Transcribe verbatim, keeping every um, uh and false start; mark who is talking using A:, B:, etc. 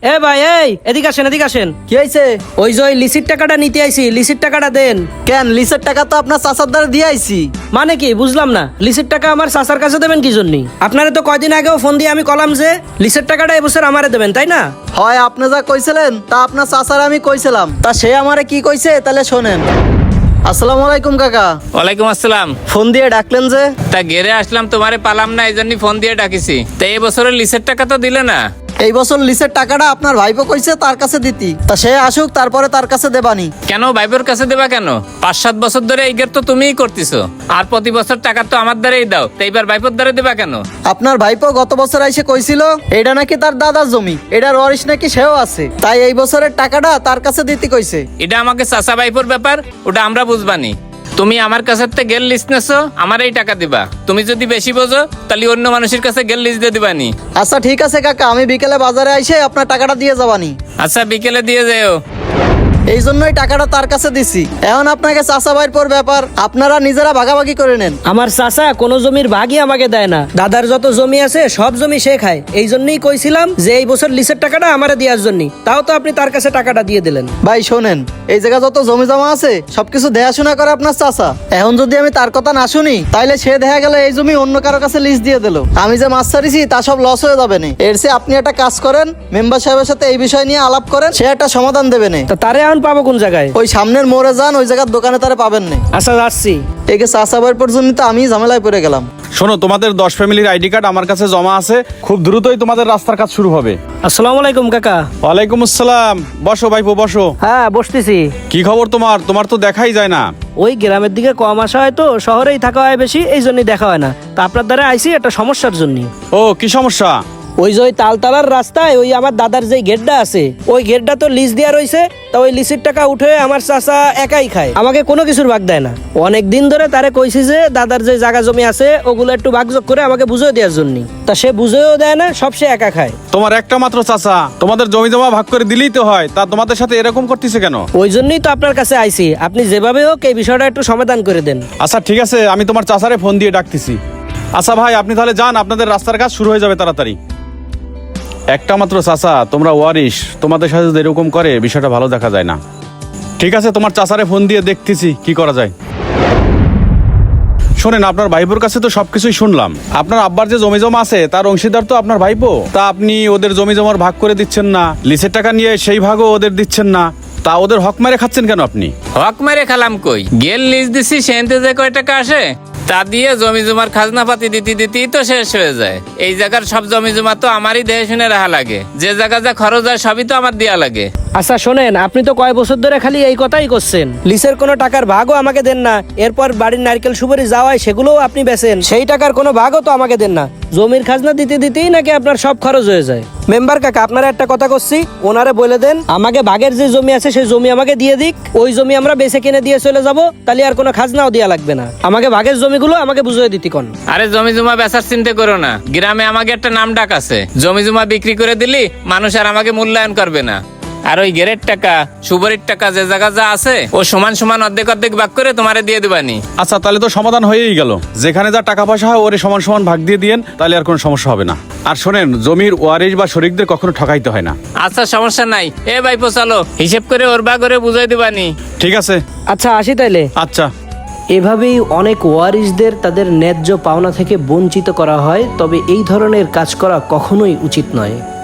A: এ ভাই এই এদিকে আসেন এদিকে আসেন।
B: কি হয়েছে?
A: ওই যে ওই লিসির টাকাটা নিতে আইছি, লিসির টাকাটা দেন।
B: কেন, লিসের টাকা তো আপনার চাচার দ্বারা দিয়ে আইছি।
A: মানে কি বুঝলাম না, লিসির টাকা আমার চাচার কাছে দেবেন কি জন্য? আপনারা তো কয়দিন আগেও ফোন দিয়ে আমি কলাম যে লিসের টাকাটা এবছর আমারে দেবেন, তাই না?
B: হয় আপনি যা কইছিলেন তা আপনার চাচার আমি কইছিলাম, তা সে আমারে কি কইছে তাহলে শোনেন। আসসালামু আলাইকুম কাকা।
C: ওয়ালাইকুম আসসালাম।
B: ফোন দিয়ে ডাকলেন যে?
C: তা গেরে আসলাম, তোমারে পালাম না, এই জন্যই ফোন দিয়ে ডাকিছি। তা এই বছরের লিসের টাকা তো দিলে না।
B: এই বছর লিসের টাকাটা আপনার ভাইপো কইছে তার কাছে দিতি, তা সে আসুক তারপরে তার কাছে দেবানি।
C: কেন ভাইবোর কাছে দেবা কেন? পাঁচ সাত বছর ধরে এই গের তো তুমিই করতেছো, আর প্রতি বছর টাকা তো আমার দ্বারাই দাও, তো এইবার ভাইপোর দ্বারা দেবা কেন?
B: আপনার ভাইপো গত বছর এসে কইছিল এটা নাকি তার দাদার জমি, এটার ওয়ারিশ নাকি সেও আছে, তাই এই বছরের টাকাটা তার কাছে দিতে কইছে।
C: এটা আমাকে চাচা ভাইপোর ব্যাপার, ওটা আমরা বুঝবানি। তুমি আমার কাছে গেল লিস্ট নেছো, আমার এই টাকা দিবা। তুমি যদি বেশি বোঝো তাহলে অন্য মানুষের কাছে গেল লিস্ট দিয়ে দিবানি।
B: আচ্ছা ঠিক আছে কাকা, আমি বিকেলে বাজারে আইসে আপনার টাকাটা দিয়ে যাবানি।
C: আচ্ছা বিকেলে দিয়ে যাও।
B: এই জন্যই টাকাটা তার কাছে দিছি। এখন আপনাকে চাচা ভাইয়ের পর ব্যাপার, আপনারা নিজেরা ভাগাভাগি করে নেন।
A: আমার চাচা কোনো জমির ভাগই আমাকে দেয় না, দাদার যত জমি আছে সব জমি সে খায়। এই জন্যই কইছিলাম যে এই বছর লিসের টাকাটা আমারে দেওয়ার জন্য, তাও তো আপনি তার কাছে টাকাটা দিয়ে দিলেন।
B: ভাই শোনেন, এই জায়গা যত জমি জমা আছে সবকিছু দেখাশোনা করে আপনার চাচা। এখন যদি আমি তার কথা না শুনি তাইলে সে দেখা গেল এই জমি অন্য কারো কাছে লিস্ট দিয়ে দিল, আমি যে মাছ ছাড়িছি তা সব লস হয়ে যাবে না। এর চেয়ে আপনি একটা কাজ করেন, মেম্বার সাহেবের সাথে এই বিষয় নিয়ে আলাপ করেন, সে একটা সমাধান দেবে না।
A: তা তারে এখন পাবো কোন জায়গায়?
B: ওই সামনের মোড়ে যান, ওই জায়গার দোকানে তারে পাবেন না।
A: আচ্ছা যাচ্ছি।
B: একে চাচা ভাইয়ের পর্যন্ত তো আমি ঝামেলায় পড়ে গেলাম।
D: শোনো, তোমাদের দশ ফ্যামিলির আইডি কার্ড আমার কাছে জমা আছে, খুব দ্রুতই তোমাদের রাস্তার কাজ শুরু হবে।
A: আসসালামু আলাইকুম কাকা।
D: ওয়ালাইকুম আসসালাম। বসো ভাইপো বসো।
A: হ্যাঁ বসতেছি।
D: কি খবর তোমার? তোমার তো দেখাই যায় না।
A: ওই গ্রামের দিকে কম আসা হয় তো, শহরেই থাকা হয় বেশি, এই জন্যই দেখা হয় না। তা আপনার দ্বারা আইসি একটা সমস্যার জন্য।
D: ও কি সমস্যা?
A: ওই যে ওই তালতলার রাস্তায় ওই আমার দাদার যে গেটটা আছে, ওই গেটটা তো লিজ দেওয়া রয়েছে। তা ওই লিসের টাকা উঠে আমার চাচা একাই খায়, আমাকে কোনো কিছুর ভাগ দেয় না। অনেক দিন ধরে তারে কইছি যে দাদার যে জায়গা জমি আছে ওগুলো একটু ভাগযোগ করে আমাকে বুঝিয়ে দেওয়ার জন্য, তা সে বুঝেও দেয় না, সব সে একা খায়।
D: তোমার একটা মাত্র চাচা, তোমাদের জমি জমা ভাগ করে দিলেই তো হয়, তা তোমাদের সাথে এরকম করতেছে কেন?
A: ওই জন্যই তো আপনার কাছে আইছি, আপনি যেভাবে হোক এই বিষয়টা একটু সমাধান করে দেন।
D: আচ্ছা ঠিক আছে, আমি তোমার চাচারে ফোন দিয়ে ডাকতেছি। আচ্ছা ভাই, আপনি তাহলে যান, আপনাদের রাস্তার কাজ শুরু হয়ে যাবে তাড়াতাড়ি। একটা মাত্র চাচা, তোমরা ওয়ারিশ, তোমাদের সাথে যদি এরকম করে বিষয়টা ভালো দেখা যায় না। ঠিক আছে, তোমার চাচারে ফোন দিয়ে দেখতেছি কি করা যায়। শোনেন, আপনার ভাইপোর কাছে তো সবকিছুই শুনলাম। আপনার আব্বার যে জমি জমা আছে তার অংশীদার তো আপনার ভাইপো, তা আপনি ওদের জমি জমার ভাগ করে দিচ্ছেন না, লিসের টাকা নিয়ে সেই ভাগও ওদের দিচ্ছেন না, তা ওদের হক মেরে খাচ্ছেন কেন আপনি?
C: হক মেরে খেলাম কই? গেল লিজ দিছি, সেনতে যে কয় টাকা আসে তা দিয়ে জমি জমার খাজনা পাতি দিতে দিতেই তো শেষ হয়ে যায়। এই জায়গার সব জমি জমা তো আমারই দেখে শুনে রাখা লাগে, যে জায়গা যা খরচ হয় সবই তো আমার দেয়া লাগে।
A: আচ্ছা শোনেন, আপনি তো কয় বছর ধরে খালি এই কথাই করছেন, লিসের কোনো টাকার ভাগও আমাকে দেন না। এরপর বাড়ির নারকেল সুপারি যাওয়ায় সেগুলোও আপনি বেচেন, সেই টাকার কোনো ভাগও তো আমাকে দেন না। জমির খাজনা দিতে দিতেই নাকি আপনার সব খরচ হয়ে যায়। মেম্বার কাকা, আপনারা একটা কথা করছি, ওনারে বলে দেন আমাকে ভাগের যে জমি আছে সেই জমি আমাকে দিয়ে দিক। ওই জমি আমরা বেচে কিনে দিয়ে চলে যাব, তাহলে আর কোনো খাজনাও দেওয়া লাগবে না। আমাকে ভাগের জমিগুলো আমাকে বুঝিয়ে দিতে কোন।
C: আরে জমি জমা বেচার চিন্তা করো না, গ্রামে আমাকে একটা নাম ডাক আছে। জমি জমা বিক্রি করে দিলি মানুষ আর আমাকে মূল্যায়ন করবে না। আর ওই গেরের টাকা সুবরির টাকা যে জায়গা যা আছে ও সমান সমান অর্ধেক অর্ধেক ভাগ করে তোমারে দিয়ে দিবানি।
D: আচ্ছা তাহলে তো সমাধান হয়েই গেল, যেখানে যা টাকা পয়সা হয় ওরে সমান সমান ভাগ দিয়ে দিয়েন, তাহলে আর কোনো সমস্যা হবে না। আর শোনেন, জমির ওয়ারিশ বা শরিকদের কখনো ঠকাইতে হয় না।
C: আচ্ছা সমস্যা নাই, এ ভাইপো চলো, হিসেব করে ওর ভাগ করে বুঝাই দিবানি।
D: ঠিক আছে।
A: আচ্ছা আসি তাইলে।
D: আচ্ছা।
A: এভাবেই অনেক ওয়ারিশদের তাদের ন্যায্য পাওনা থেকে বঞ্চিত করা হয়, তবে এই ধরনের কাজ করা কখনোই উচিত নয়।